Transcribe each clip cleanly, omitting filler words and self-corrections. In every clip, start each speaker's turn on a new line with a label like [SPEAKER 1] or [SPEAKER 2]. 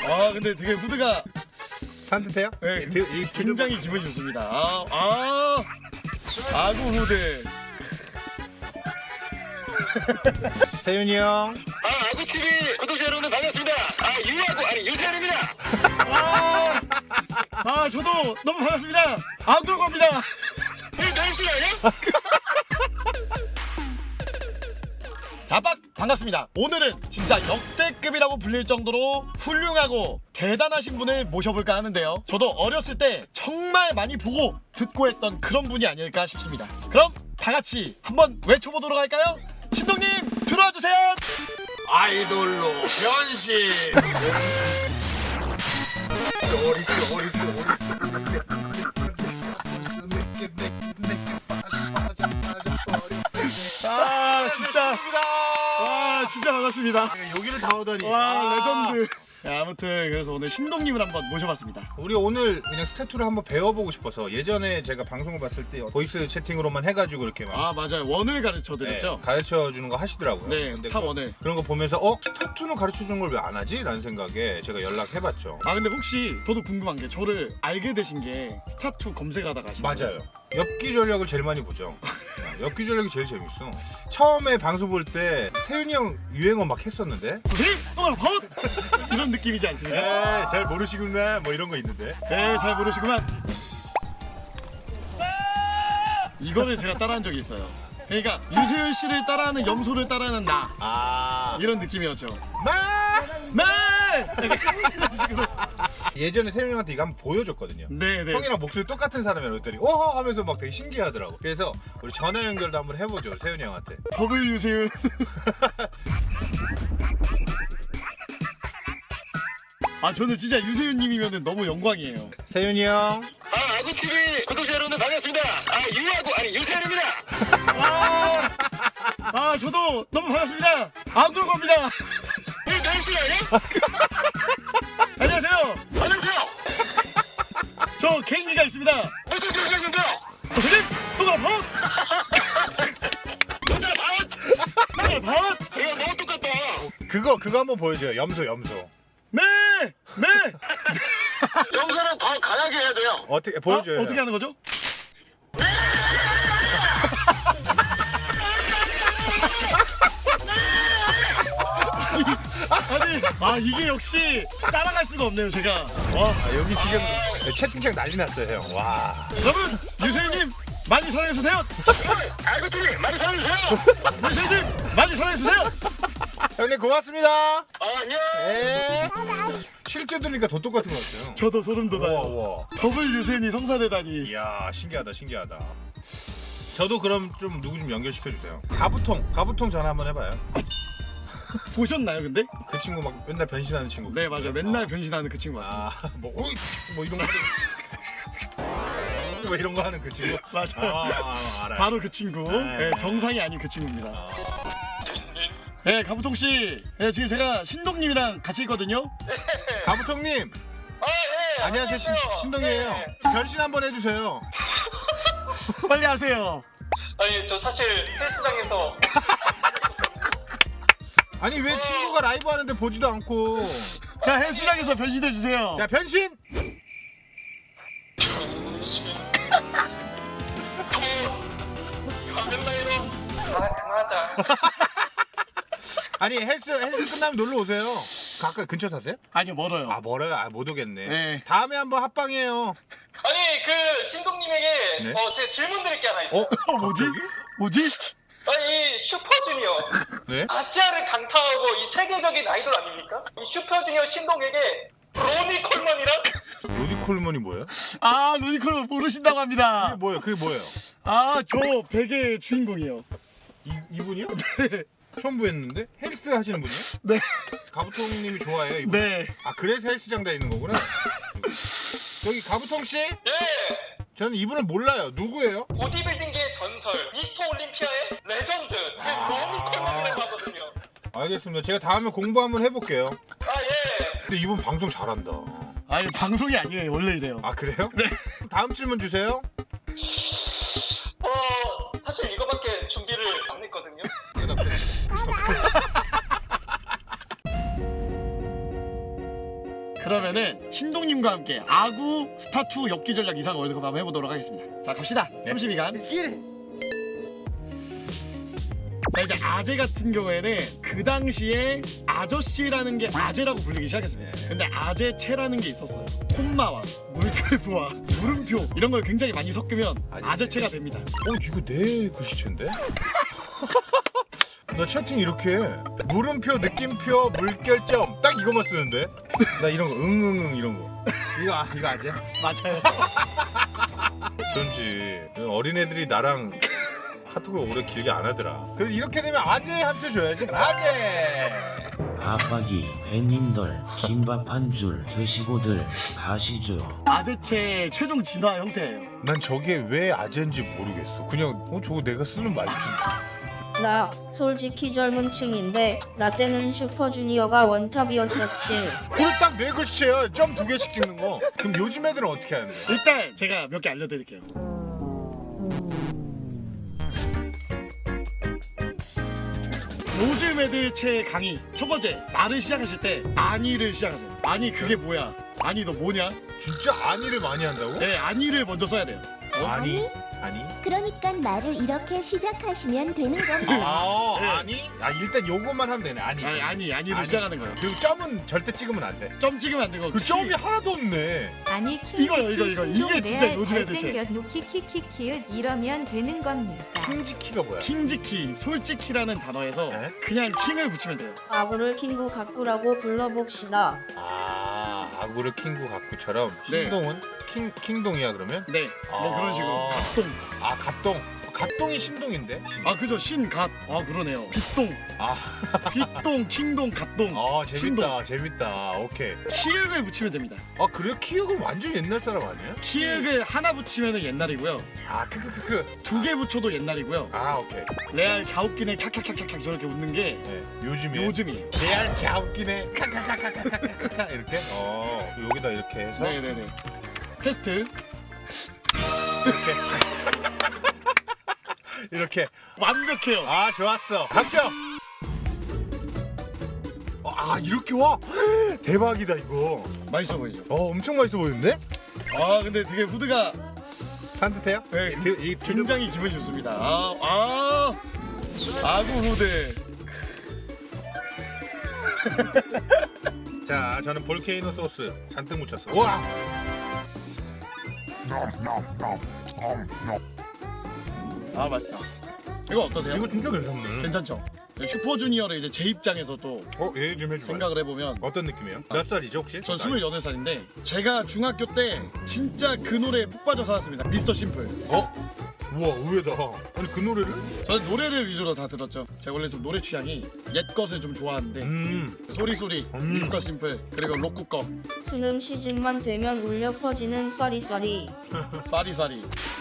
[SPEAKER 1] 근데 되게 무드가
[SPEAKER 2] 산뜻해요?
[SPEAKER 1] 네, 굉장히 기분이 좋습니다. 아구 무드.
[SPEAKER 2] 세윤이 형.
[SPEAKER 3] 아구TV 구독자 여러분들 반갑습니다. 유아구 아니 유세현입니다.
[SPEAKER 1] 저도 너무 반갑습니다. 아구라고 합니다.
[SPEAKER 3] 이 널씨 아니야?
[SPEAKER 1] 자박 반갑습니다. 오늘은 진짜 역대급이라고 불릴 정도로 훌륭하고 대단하신 분을 모셔볼까 하는데요. 저도 어렸을 때 정말 많이 보고 듣고 했던 그런 분이 아닐까 싶습니다. 그럼 다 같이 한번 외쳐보도록 할까요? 신동님 들어와 주세요.
[SPEAKER 2] 아이돌로 변신.
[SPEAKER 1] 진짜 반갑습니다.
[SPEAKER 2] 여기를 다 오더니.
[SPEAKER 1] 레전드. 아무튼 그래서 오늘 신동님을 한번 모셔봤습니다.
[SPEAKER 2] 우리 오늘 그냥 스태투를 한번 배워보고 싶어서 예전에 제가 방송을 봤을 때 보이스 채팅으로만 해가지고 이렇게 막
[SPEAKER 1] 맞아요. 원을 가르쳐드렸죠.
[SPEAKER 2] 가르쳐 주는 거 하시더라고요.
[SPEAKER 1] 네,
[SPEAKER 2] 근데
[SPEAKER 1] 스타 원을.
[SPEAKER 2] 그런 거 보면서 스타투는 가르쳐 주는 걸 왜 안 하지? 라는 생각에 제가 연락해봤죠.
[SPEAKER 1] 근데 혹시 저도 궁금한 게 저를 알게 되신 게 스타2 검색하다가 하신 거예요?
[SPEAKER 2] 맞아요. 엽기 전략을 제일 많이 보죠. 엽기 전략이 제일 재밌어. 처음에 방송 볼 때 세윤이 형 유행어 막 했었는데
[SPEAKER 1] 선생님! 이런 느낌이지 않습니까?
[SPEAKER 2] 잘 모르시구나 뭐 이런 거 있는데.
[SPEAKER 1] 네, 잘 모르시구만. 이거를 제가 따라한 적이 있어요. 그러니까 유세윤 씨를 따라하는 염소를 따라하는 나 이런 느낌이었죠. 이런 식으로.
[SPEAKER 2] 예전에 세윤이 형한테 이거 한번 보여줬거든요.
[SPEAKER 1] 네네.
[SPEAKER 2] 형이랑 목소리 똑같은 사람이라고 했더니 오호 하면서 막 되게 신기하더라고. 그래서 우리 전화 연결도 한번 해보죠, 세윤이 형한테.
[SPEAKER 1] 더블 유세윤. 저는 진짜 유세윤님이면 너무 영광이에요.
[SPEAKER 2] 세윤이 형.
[SPEAKER 3] 아구TV 구독자 여러분들 반갑습니다. 유아구 아니 유세현입니다.
[SPEAKER 1] 저도 너무 반갑습니다. 아구라고 합니다.
[SPEAKER 3] 이 널씨 아니야?
[SPEAKER 1] 안녕하세요.
[SPEAKER 3] 안녕하세요.
[SPEAKER 1] 저 개인기가 있습니다.
[SPEAKER 3] 무슨 개인기인데요?
[SPEAKER 1] 선생님! 동그라 바웃!
[SPEAKER 3] 동그라 바웃!
[SPEAKER 1] 동그라 바웃!
[SPEAKER 3] 이거 너무 똑같다.
[SPEAKER 2] 그거 한번 보여줘요. 염소.
[SPEAKER 1] 매!
[SPEAKER 3] 영상은 더 강하게 해야 돼요.
[SPEAKER 2] 어떻게 보여줘요?
[SPEAKER 1] 어떻게 하는 거죠? 이게 역시 따라갈 수가 없네요, 제가.
[SPEAKER 2] 여기 지금 채팅창 난리 났어요, 형. 와.
[SPEAKER 1] 여러분, 유세윤님 많이 사랑해주세요.
[SPEAKER 3] 아구TV 많이 사랑해주세요.
[SPEAKER 1] 유세윤님 많이 사랑해주세요.
[SPEAKER 2] 형님 고맙습니다.
[SPEAKER 3] 안녕.
[SPEAKER 2] 네. 실제 들으니까 더 똑같은 것 같아요.
[SPEAKER 1] 저도 소름 돋아요.
[SPEAKER 2] 우와.
[SPEAKER 1] 더블 유세윤이 성사되다니.
[SPEAKER 2] 이야, 신기하다. 저도 그럼 좀 누구 좀 연결시켜 주세요. 가부통 전화 한번 해봐요.
[SPEAKER 1] 보셨나요, 근데?
[SPEAKER 2] 그 친구 막 맨날 변신하는 친구.
[SPEAKER 1] 네, 맞아요. 맨날 변신하는 그 친구 맞습니다.
[SPEAKER 2] 뭐 이런 거 하는 뭐 이런 거 하는 그 친구.
[SPEAKER 1] 맞아요.
[SPEAKER 2] 알아요.
[SPEAKER 1] 바로 그 친구. 네, 정상이 아닌 그 친구입니다. 네, 가부통 씨. 네, 지금 제가 신동님이랑 같이 있거든요.
[SPEAKER 2] 가부통님.
[SPEAKER 3] 네.
[SPEAKER 2] 안녕하세요. 신동이에요. 변신 한번 해주세요.
[SPEAKER 1] 빨리 하세요.
[SPEAKER 4] 아니 저 사실 헬스장에서
[SPEAKER 2] 아니 왜 친구가 라이브 하는데 보지도 않고.
[SPEAKER 1] 자, 헬스장에서 변신해 주세요.
[SPEAKER 2] 자, 변신.
[SPEAKER 4] 가면라이로 그만하자.
[SPEAKER 2] 아니 헬스 끝나면 놀러 오세요. 가까이 근처 사세요?
[SPEAKER 1] 아니요, 멀어요.
[SPEAKER 2] 멀어요. 못 오겠네.
[SPEAKER 1] 네.
[SPEAKER 2] 다음에 한번 합방해요.
[SPEAKER 4] 아니 그 신동님에게
[SPEAKER 2] 네?
[SPEAKER 4] 제가 질문 드릴 게 하나 있어요.
[SPEAKER 1] 뭐지?
[SPEAKER 4] 이 슈퍼주니어
[SPEAKER 2] 네?
[SPEAKER 4] 아시아를 강타하고 이 세계적인 아이돌 아닙니까? 이 슈퍼주니어 신동에게 로니 콜먼이랑
[SPEAKER 2] 로디 콜먼이 뭐예요?
[SPEAKER 1] 루니콜 모르신다고 합니다.
[SPEAKER 2] 그게 뭐예요?
[SPEAKER 1] 저 베개의 주인공이에요.
[SPEAKER 2] 이분이요? 네. 처음 뵀는데? 헬스 하시는 분이요?
[SPEAKER 1] 네.
[SPEAKER 2] 가부통님이 좋아해요, 이분?
[SPEAKER 1] 네.
[SPEAKER 2] 그래서 헬스장 다니는 거구나. 여기 가부통씨?
[SPEAKER 4] 예
[SPEAKER 2] 저는 이분을 몰라요. 누구예요?
[SPEAKER 4] 보디빌딩계의 전설 미스터 올림피아의 레전드 로니 콜먼이라고 하거든요.
[SPEAKER 2] 알겠습니다. 제가 다음에 공부 한번 해볼게요.
[SPEAKER 4] 예.
[SPEAKER 2] 근데 이분 방송 잘한다.
[SPEAKER 1] 아니, 방송이 아니에요. 원래 이래요.
[SPEAKER 2] 그래요? 네. 다음 질문 주세요.
[SPEAKER 4] 사실 이거밖에 준비를 안 했거든요.
[SPEAKER 1] 그러면은 신동님과 함께 아구 스타2 엽기 전략 이상 월드컵 한번 해보도록 하겠습니다. 자 갑시다. 32강. 자 이제 아재 같은 경우에는 그 당시에 아저씨라는 게 아재라고 불리기 시작했습니다. 근데 아재체라는 게 있었어요. 콤마와 물결부와 물음표 이런 걸 굉장히 많이 섞으면 아재체가 됩니다.
[SPEAKER 2] 이거 내 글씨체인데? 나 채팅 이렇게 해. 물음표, 느낌표, 물결점 딱 이거만 쓰는데? 나 이런 거 응응응 이런 거. 이거 아재?
[SPEAKER 1] 맞아요.
[SPEAKER 2] 전지 어린애들이 나랑 카톡을 오래 길게 안 하더라. 그래서 이렇게 되면 아재 함수 줘야지. 아재.
[SPEAKER 5] 아빠기 회님들 김밥 한 줄 드시고들 가시죠.
[SPEAKER 1] 아재체 최종 진화 형태예요.
[SPEAKER 2] 난 저게 왜 아재인지 모르겠어. 그냥 저거 내가 쓰는 말이지.
[SPEAKER 6] 나 솔직히 젊은 층인데 나 때는 슈퍼주니어가 원탑이었었지.
[SPEAKER 2] 그래 딱 내 글씨체야. 점 2개씩 찍는 거. 그럼 요즘 애들은 어떻게 하는데?
[SPEAKER 1] 일단 제가 몇 개 알려드릴게요. 요즘 애들 체 강의 첫 번째 말을 시작하실 때 아니를 시작하세요. 아니 그게 뭐야? 아니 너 뭐냐?
[SPEAKER 2] 진짜 아니를 많이 한다고?
[SPEAKER 1] 네 아니를 먼저 써야 돼요.
[SPEAKER 2] 아니?
[SPEAKER 7] 그러니까 말을 이렇게 시작하시면 되는 겁니다.
[SPEAKER 1] 네.
[SPEAKER 2] 아니? 일단 요것만 하면 되네. 아니를
[SPEAKER 1] 아니를 시작하는 거예요.
[SPEAKER 2] 그리고 점은 절대 찍으면 안 돼.
[SPEAKER 1] 점 찍으면 안 되고
[SPEAKER 2] 그 점이 하나도 없네.
[SPEAKER 8] 아니
[SPEAKER 1] 이거요, 이거. 이게 진짜 요즘 애들 체.
[SPEAKER 8] 잘생겼 노키키키키읒 이러면 되는 겁니까?
[SPEAKER 2] 킹지키가 뭐야?
[SPEAKER 1] 킹지키 솔직히라는 단어에서
[SPEAKER 2] 네?
[SPEAKER 1] 그냥 킹을 붙이면 돼요.
[SPEAKER 6] 아구를 킹구 가꾸라고 불러봅시다.
[SPEAKER 2] 아구를 킹구 가꾸처럼
[SPEAKER 1] 네.
[SPEAKER 2] 신동은 킹동이야 그러면?
[SPEAKER 1] 네, 뭐 그런 식으로. 갓동.
[SPEAKER 2] 갓동. 갓동이 신동인데?
[SPEAKER 1] 아 그죠 신갓. 아 그러네요. 빗동.
[SPEAKER 2] 아.
[SPEAKER 1] 빗동, 킹동, 갓동.
[SPEAKER 2] 재밌다. 오케이.
[SPEAKER 1] 키읔을 붙이면 됩니다.
[SPEAKER 2] 그래요? 키읔은 완전 옛날 사람 아니에요?
[SPEAKER 1] 키읔을 하나 붙이면 옛날이고요.
[SPEAKER 2] 크크크크.
[SPEAKER 1] 2개 붙여도 옛날이고요.
[SPEAKER 2] 오케이.
[SPEAKER 1] 레알 갸웃기네 캬캬캬캬 저렇게 웃는 게
[SPEAKER 2] 네, 요즘이에요.
[SPEAKER 1] 요즘이에요.
[SPEAKER 2] 레알 갸웃기네. 카카카카카카카 이렇게? 여기다 이렇게 해서
[SPEAKER 1] 네네네. 테스트.
[SPEAKER 2] 이렇게.
[SPEAKER 1] 완벽해요.
[SPEAKER 2] 좋았어. 박수! 이렇게 와? 대박이다 이거.
[SPEAKER 1] 맛있어 보이죠?
[SPEAKER 2] 엄청 맛있어 보이는데?
[SPEAKER 1] 아 근데 되게 후드가
[SPEAKER 2] 산뜻해요?
[SPEAKER 1] 네,
[SPEAKER 2] 이
[SPEAKER 1] 굉장히 기분이 좋습니다. 아구 후드.
[SPEAKER 2] 자, 저는 볼케이노 소스 잔뜩 묻혔어. 와!
[SPEAKER 1] 맛있다. 이거 어떠세요?
[SPEAKER 2] 이거 진짜 괜찮네.
[SPEAKER 1] 괜찮죠? 슈퍼주니어를 이제 제 입장에서 또
[SPEAKER 2] 얘기 좀 해줘.
[SPEAKER 1] 생각을 해보면
[SPEAKER 2] 어떤 느낌이에요? 몇 살이죠 혹시?
[SPEAKER 1] 전 28살인데 제가 중학교 때 진짜 그 노래에 푹 빠져 살았습니다. 미스터 심플.
[SPEAKER 2] 우와 의외다. 아니 그 노래를?
[SPEAKER 1] 저는 노래를 위주로 다 들었죠. 제가 원래 좀 노래 취향이 옛 것을 좀 좋아하는데 소리소리, 미스터 심플, 그리고 로쿠 거,
[SPEAKER 6] 수능 시즌만 되면 울려 퍼지는 쏘리쏘리.
[SPEAKER 1] 쏴리쏴리.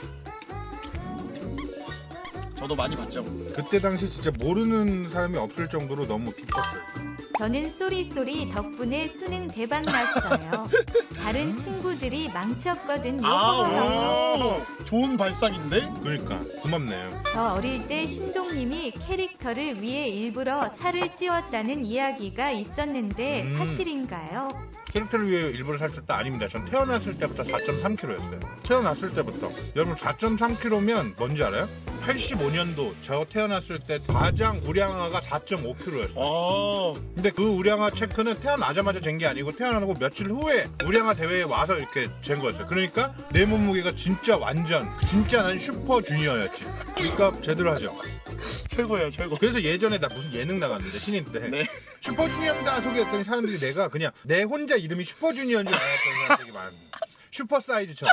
[SPEAKER 1] 저도 많이 봤죠.
[SPEAKER 2] 그때 당시 진짜 모르는 사람이 없을 정도로 너무 깊었어요.
[SPEAKER 8] 저는 쏘리쏘리 덕분에 수능 대박 났어요. 다른 친구들이 망쳤거든요.
[SPEAKER 1] 좋은 발상인데?
[SPEAKER 2] 그러니까 고맙네요.
[SPEAKER 8] 저 어릴 때 신동님이 캐릭터를 위해 일부러 살을 찌웠다는 이야기가 있었는데 사실인가요?
[SPEAKER 2] 캐릭터를 위해 일부러 살쪘다 아닙니다. 전 태어났을 때부터 4.3kg였어요. 태어났을 때부터. 여러분 4.3kg면 뭔지 알아요? 85년도 저 태어났을 때 가장 우량아가 4.5kg였어요. 근데 그 우량아 체크는 태어나자마자 잰 게 아니고 태어나고 며칠 후에 우량아 대회에 와서 이렇게 잰 거였어요. 그러니까 내 몸무게가 진짜 난 슈퍼 주니어였지. 그러니까 제대로 하죠.
[SPEAKER 1] 최고예요, 최고.
[SPEAKER 2] 그래서 예전에 나 무슨 예능 나갔는데 신인 때
[SPEAKER 1] 네.
[SPEAKER 2] 슈퍼주니어입니다 소개했더니 사람들이 내가 그냥 내 혼자 이름이 슈퍼주니어인 줄 알았던 사람들이 많았는데 슈퍼 사이즈처럼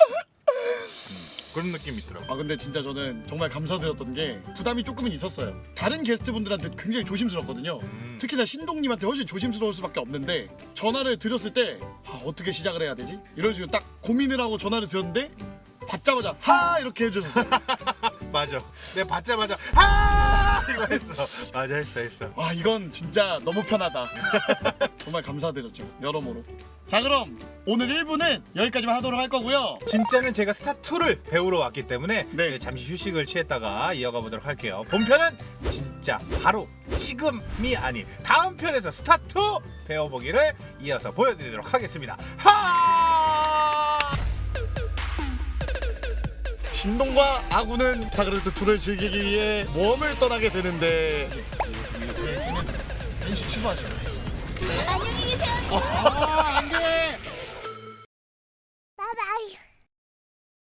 [SPEAKER 2] 그런 느낌이 있더라고.
[SPEAKER 1] 근데 진짜 저는 정말 감사드렸던 게 부담이 조금은 있었어요. 다른 게스트분들한테 굉장히 조심스럽거든요. 특히나 신동님한테 훨씬 조심스러울 수밖에 없는데 전화를 드렸을 때 어떻게 시작을 해야 되지? 이런 식으로 딱 고민을 하고 전화를 드렸는데 받자마자 하 이렇게 해주셨어요.
[SPEAKER 2] 맞아. 내가 받자마자 아 이거 했어. 맞아 했어.
[SPEAKER 1] 이건 진짜 너무 편하다. 정말 감사드렸죠. 여러모로. 자, 그럼 오늘 1부는 여기까지만 하도록 할 거고요.
[SPEAKER 2] 진짜는 제가 스타2를 배우러 왔기 때문에
[SPEAKER 1] 네.
[SPEAKER 2] 이제 잠시 휴식을 취했다가 이어가 보도록 할게요. 본편은 진짜 바로 지금이 아닌 다음 편에서 스타2 배워보기를 이어서 보여드리도록 하겠습니다.
[SPEAKER 1] 신동과 아구는 스타크래프트 2를 즐기기 위해 모험을 떠나게 되는데 NC 출발하죠.
[SPEAKER 7] 안녕히 계세요.